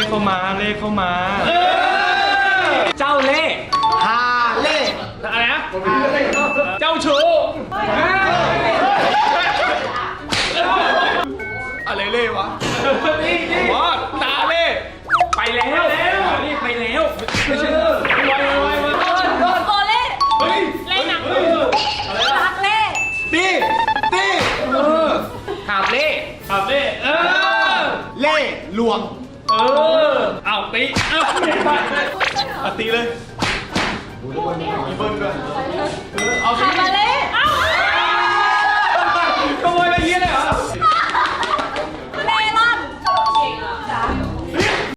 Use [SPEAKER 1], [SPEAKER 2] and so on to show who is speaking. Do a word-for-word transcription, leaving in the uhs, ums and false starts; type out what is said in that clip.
[SPEAKER 1] เข้ามาเลขเข้ามาเจ้าเล่ห์
[SPEAKER 2] ฮาเล่
[SPEAKER 1] อะไรนะเจ้าชู้อะไรเล่ห์วะวอดตาเล่ห์ไปแล้วนี่ไปแล้วไม่ใช่ไวไวไวมา
[SPEAKER 3] โกเล่
[SPEAKER 1] เฮ้ย
[SPEAKER 3] เล่นหนังรักเล่
[SPEAKER 2] ตีตี
[SPEAKER 1] หาบเล่ห์หาบเล่ห์เออ
[SPEAKER 2] เล่ลวง
[SPEAKER 1] เออเอาตีเอาเอาตีเลยมีเบิ้ลด้วยเอาตี
[SPEAKER 3] คาบาเล่